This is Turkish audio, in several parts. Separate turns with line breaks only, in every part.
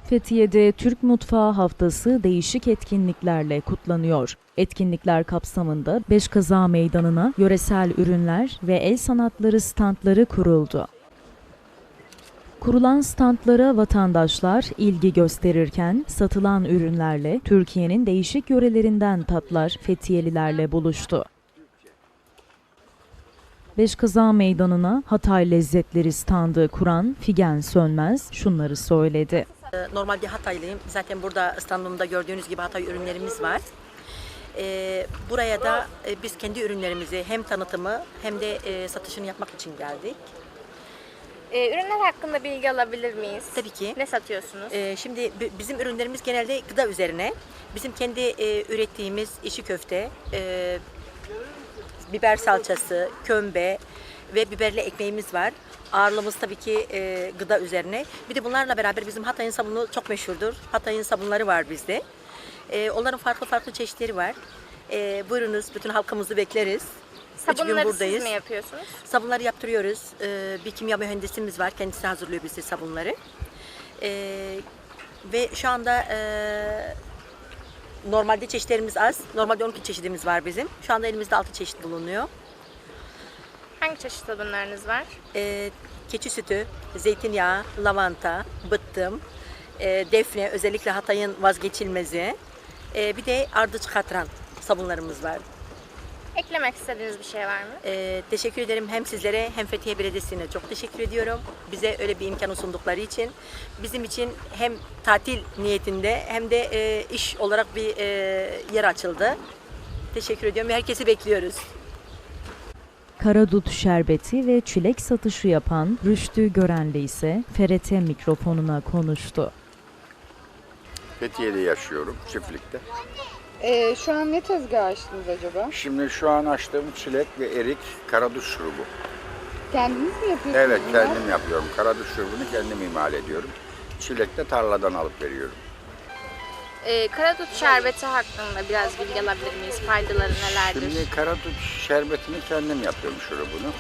Fethiye'de Türk Mutfağı Haftası değişik etkinliklerle kutlanıyor. Etkinlikler kapsamında Beşkaza Meydanı'na yöresel ürünler ve el sanatları standları kuruldu. Kurulan standlara vatandaşlar ilgi gösterirken satılan ürünlerle Türkiye'nin değişik yörelerinden tatlar Fethiyelilerle buluştu. Beşkaza Meydanı'na Hatay Lezzetleri standı kuran Figen Sönmez şunları söyledi.
Normalde Hataylıyım. Zaten burada standımda gördüğünüz gibi Hatay ürünlerimiz var. Buraya da biz kendi ürünlerimizi hem tanıtımı hem de satışını yapmak için geldik.
Ürünler hakkında bilgi alabilir miyiz?
Tabii ki.
Ne satıyorsunuz?
Şimdi bizim ürünlerimiz genelde gıda üzerine. Bizim kendi ürettiğimiz içi köfte, biber salçası, kömbe ve biberli ekmeğimiz var. Ağırlığımız tabii ki gıda üzerine. Bir de bunlarla beraber bizim Hatay'ın sabunu çok meşhurdur. Hatay'ın sabunları var bizde. Onların farklı çeşitleri var. Buyurunuz, bütün halkımızı bekleriz.
Sabunları siz mi yapıyorsunuz?
Sabunları yaptırıyoruz. Bir kimya mühendisimiz var. Kendisi hazırlıyor bize sabunları. Ve şu anda normalde çeşitlerimiz az. Normalde 12 çeşidimiz var bizim. Şu anda elimizde 6 çeşit bulunuyor.
Hangi çeşit sabunlarınız var?
Keçi sütü, zeytinyağı, lavanta, bıttım, defne, özellikle Hatay'ın vazgeçilmezi. Bir de ardıç katran sabunlarımız var.
Eklemek istediğiniz bir şey var mı?
Teşekkür ederim hem sizlere hem Fethiye Belediyesi'ne çok teşekkür ediyorum. Bize öyle bir imkan sundukları için. Bizim için hem tatil niyetinde hem de iş olarak bir yer açıldı. Teşekkür ediyorum ve herkesi bekliyoruz.
Karadut şerbeti ve çilek satışı yapan Rüştü Görenli ise FRT mikrofonuna konuştu.
Fethiye'de yaşıyorum, çiftlikte.
Şu an ne tezgah açtınız acaba?
Şimdi şu an açtığım çilek ve erik karadut şurubu.
Kendiniz mi yapıyorsunuz?
Evet,
bunları?
kendim yapıyorum. Karadut şurubunu kendim imal ediyorum. Çilek de tarladan alıp veriyorum.
Karadut şerbeti hakkında biraz bilgi alabilir miyiz? Faydaları nelerdir?
Şimdi karadut şerbetini kendim yapıyorum şurubunu.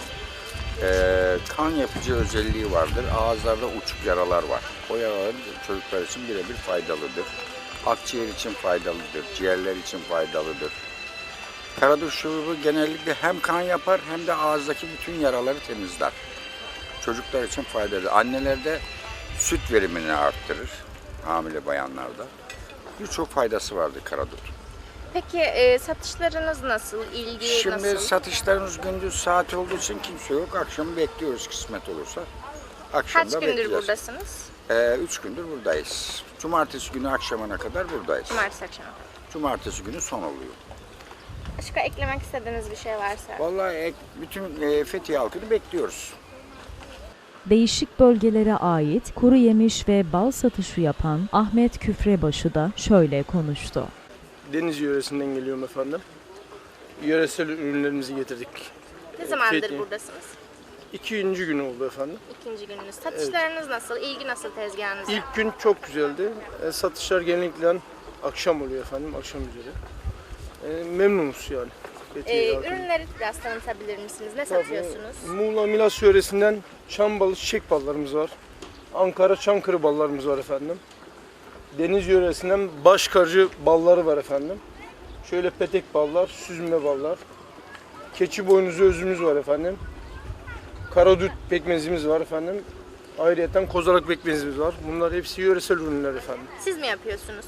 Kan yapıcı özelliği vardır. Ağızlarda uçuk yaralar var. O yaralar çocuklar için birebir faydalıdır. Akciğer için faydalıdır, ciğerler için faydalıdır. Karadut şurubu genellikle hem kan yapar hem de ağızdaki bütün yaraları temizler. Çocuklar için faydalı. Annelerde süt verimini arttırır, hamile bayanlarda. Birçok faydası vardır karadut.
Peki satışlarınız nasıl? İlgi
Şimdi
nasıl?
satışlarımız gündüz saat olduğu için kimse yok. Akşam bekliyoruz kısmet olursa. Akşam
Kaç
da
gündür
bekleyeceğiz.
buradasınız?
3 gündür buradayız. Cumartesi günü akşamına kadar buradayız.
Cumartesi akşamı.
Cumartesi günü son oluyor.
Başka eklemek istediğiniz bir şey varsa?
Vallahi bütün Fethiye halkını bekliyoruz.
Değişik bölgelere ait kuru yemiş ve bal satışı yapan Ahmet Küfrebaşı da şöyle konuştu.
Deniz yöresinden geliyorum efendim. Yöresel ürünlerimizi getirdik.
Ne zamandır
Fethiye.
buradasınız?
2. gün oldu efendim.
İkinci gününüz. Satışlarınız nasıl? İlgi nasıl tezgahınızda?
İlk gün çok güzeldi. Satışlar genellikle akşam oluyor efendim, akşam üzeri. Memnunuz yani. Fethiye halkının.
Ürünleri biraz tanıtabilir misiniz? Ne satıyorsunuz?
Muğla Milas yöresinden çam balı çiçek ballarımız var. Ankara Çankırı ballarımız var efendim. Deniz yöresinden başkarcı balları var efendim. Şöyle petek ballar, süzme ballar. Keçi boynuzu özümüz var efendim. Karadut pekmezimiz var efendim. Ayrıyeten kozalak pekmezimiz var. Bunlar hepsi yöresel ürünler efendim.
Siz mi yapıyorsunuz?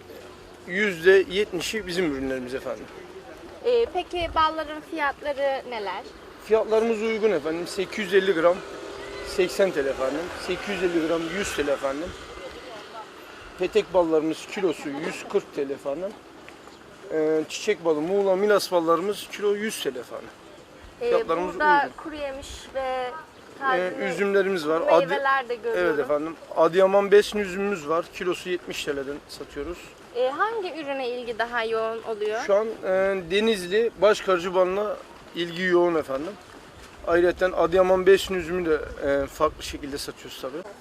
%70'i bizim ürünlerimiz efendim.
Peki balların fiyatları neler?
Fiyatlarımız uygun efendim. 850 gram 80 TL efendim. 850 gram 100 TL efendim. Petek ballarımız kilosu 140 TL efendim. Çiçek balı, Muğla Milas ballarımız kilo 100 TL efendim. Fiyatlarımız
Burada
uygun.
kuru yemiş ve taze
Üzümlerimiz var.
meyveler de görüyorum.
Evet efendim. Adıyaman besin üzümümüz var. Kilosu 70 TL'den satıyoruz.
Hangi ürüne ilgi daha yoğun oluyor?
Şu an Denizli başkarcı balına ilgi yoğun efendim. Ayrıca Adıyaman besin üzümü de farklı şekilde satıyoruz tabii.